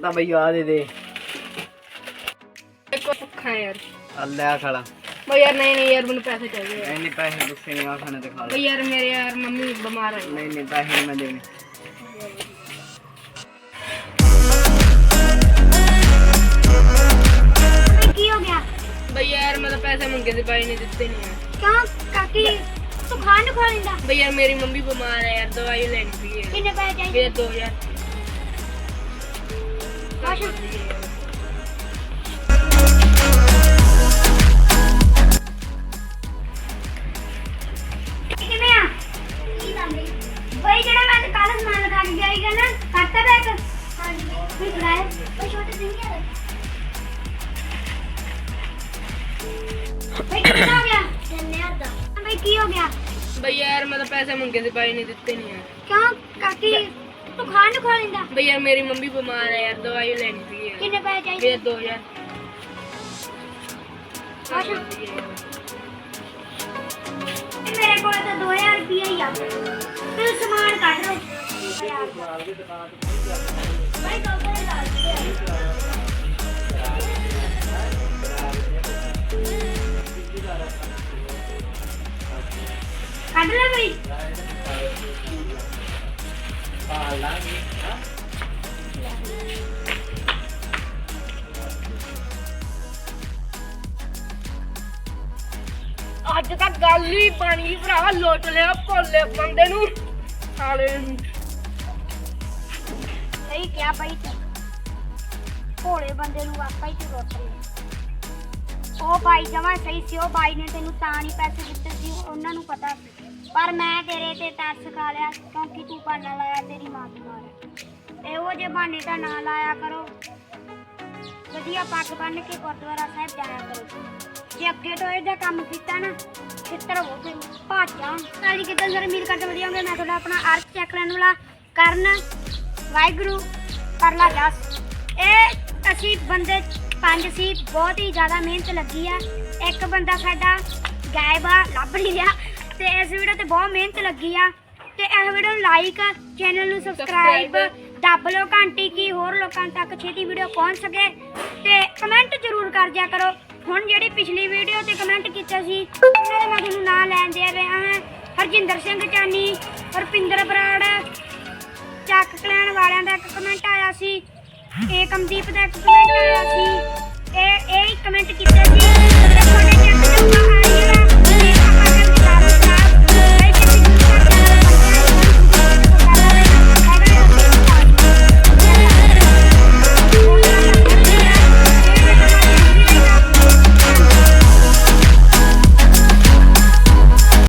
पता भाई आ दे दे भुखा है यार। ले आ खाला भाई यार नहीं यार मुझे पैसे चाहिए। नहीं पैसे गुस्से नहीं आ खाने ते खा ले। भाई यार मेरे यार मम्मी बीमार है। नहीं पैसे नहीं मैं देने। की हो गया? भाई यार मतलब पैसे मंगे थे भाई ने दिते नहीं है। क्यों काकी तू खान खा लेंदा? भाई यार मेरी मम्मी बीमार है यार दवाई लेनी थी यार। कितने पैसे चाहिए? मेरे 2000। किਵੇਂ ਆ? ਕੀ ਗੱਲ ਹੈ? ਬਈ ਜਿਹੜਾ ਮੈਂ ਕੱਲ ਸਮਾਨ ਲਗਾ ਕੇ ਗਿਆ ਸੀਗਾ ਨਾ ਕਰਤਾ ਬੈਗ? ਹਾਂਜੀ ਬਈ ਲਾਇਆ ਬਈ ਛੋਟੇ ਸਿੰਘ ਆ ਬਈ ਕੀ ਹੋ ਗਿਆ? ਜੰਨਿਆ ਦਾ ਬਈ ਕੀ ਹੋ ਗਿਆ? भाई यार मतलब पैसे मंगे थे भाई ने दिते नहीं है। ਕਿਉਂ ਕਾਕੀ ਤੂੰ ਖਾਣ ਖਾ ਲੈਂਦਾ? भाई यार मेरी मम्मी बीमार है यार दवाई लेनी थी यार। ਕਿੰਨੇ ਪੈਸੇ ਚਾਹੀਦੇ? मेरे 2000। ਮੇਰੇ ਕੋਲ ਤਾਂ 2000 ਰੁਪਏ ਹੀ ਆ। ਤੂੰ ਸਮਾਨ ਕੱਢ ਲਓ। ਬਈ ਕੰਪਨੀ ਲਾ ਦੇ। ਕੱਢ ਲੈ ਬਈ। ਅੱਜ ਤੱਕ ਗੱਲ ਹੀ ਬਣੀ ਭਰਾ ਲੁੱਟ ਲਿਆ ਭੋਲੇ ਬੰਦੇ ਨੂੰ ਸਾਲੇ ਨੂੰ। ਸਹੀ ਕਿਹਾ ਬਾਈ ਤੂੰ। ਭੋਲੇ ਬੰਦੇ ਨੂੰ ਆਪਾਂ ਹੀ ਤੇ ਰੋਟ ਲਿਆ। ਉਹ ਬਾਈ ਜਮਾ ਸਹੀ ਸੀ। ਉਹ ਬਾਈ ਨੇ ਤੈਨੂੰ ਤਾਂ ਨਹੀਂ ਪੈਸੇ ਦਿੱਤੇ ਸੀ ਉਹਨਾਂ ਨੂੰ ਪਤਾ ਸੀ। ਪਰ ਮੈਂ ਤੇਰੇ ਤੇ ਤਰਸ ਖਾ ਲਿਆ ਕਿਉਂਕਿ ਤੂੰ ਬਹਾਨਾ ਲਾਇਆ ਤੇਰੀ ਮਾਂ ਬਿਮਾਰ ਹੈ। ਇਹੋ ਜਿਹੇ ਬਹਾਨੇ ਤਾਂ ਨਾ ਲਾਇਆ ਕਰੋ। ਵਧੀਆ ਪੱਗ ਬੰਨ੍ਹ ਕੇ ਗੁਰਦੁਆਰਾ ਸਾਹਿਬ ਜਾਇਆ ਕਰੋ। ਜੇ ਅੱਗੇ ਤੋਂ ਇਹਦਾ ਕੰਮ ਕੀਤਾ ਨਾ ਛਿੱਤਰ ਹੋ ਫਿਰ ਭੱਜ ਜਾਣ। ਸਾਡੀ ਕਿਤੇ ਸਰ ਉਮੀਦ ਕਰਦੇ ਵਧੀਆ ਹੋਗੇ। ਮੈਂ ਤੁਹਾਡਾ ਆਪਣਾ ਅਰਥ ਚੈੱਕ ਲੈਣ ਵਾਲਾ ਕਰਨ ਵਾਹਿਗੁਰੂ ਕਰਲਾ ਜਸ। ਇਹ ਅਸੀਂ ਬੰਦੇ 5 ਸੀ। ਬਹੁਤ ਹੀ ਜ਼ਿਆਦਾ ਮਿਹਨਤ ਲੱਗੀ ਆ। ਇੱਕ ਬੰਦਾ ਸਾਡਾ ਗਾਇਬ ਆ ਲੱਭ ਨਹੀਂ ਰਿਹਾ ਤੇ ਇਸ ਵੀਡੀਓ ਤੇ ਬਹੁਤ ਮਿਹਨਤ ਲੱਗੀ ਆ। ਤੇ ਇਸ ਵੀਡੀਓ ਨੂੰ ਲਾਈਕ ਚੈਨਲ ਨੂੰ ਸਬਸਕ੍ਰਾਈਬ ਦੱਬ ਲਓ ਘੰਟੀ ਕੀ ਹੋਰ ਲੋਕਾਂ ਤੱਕ ਛੇਤੀ ਵੀਡੀਓ ਪਹੁੰਚ ਸਕੇ। ਤੇ ਕਮੈਂਟ ਜ਼ਰੂਰ ਕਰ ਦਿਆ ਕਰੋ। ਹੁਣ ਜਿਹੜੀ ਪਿਛਲੀ ਵੀਡੀਓ ਤੇ ਕਮੈਂਟ ਕੀਤਾ ਸੀ ਉਹਨਾਂ ਦੇ ਮੈਂ ਤੁਹਾਨੂੰ ਨਾਂ ਲੈਣ ਦੇ ਰਿਹਾ ਹਾਂ। ਹਰਜਿੰਦਰ ਸਿੰਘ ਚਾਨੀ, ਰੁਪਿੰਦਰ ਬਰਾੜ, ਚੱਕ ਕਲੈਨ ਵਾਲਿਆਂ ਦਾ ਇੱਕ ਕਮੈਂਟ ਆਇਆ ਸੀ। ਏਕਮਦੀਪ ਦਾ ਇੱਕ ਕਮੈਂਟ ਆਇਆ ਸੀ। ਇਹ ਕਮੈਂਟ ਕੀਤਾ ਸੀ। ਤੁਹਾਡੇ ਚੱਕ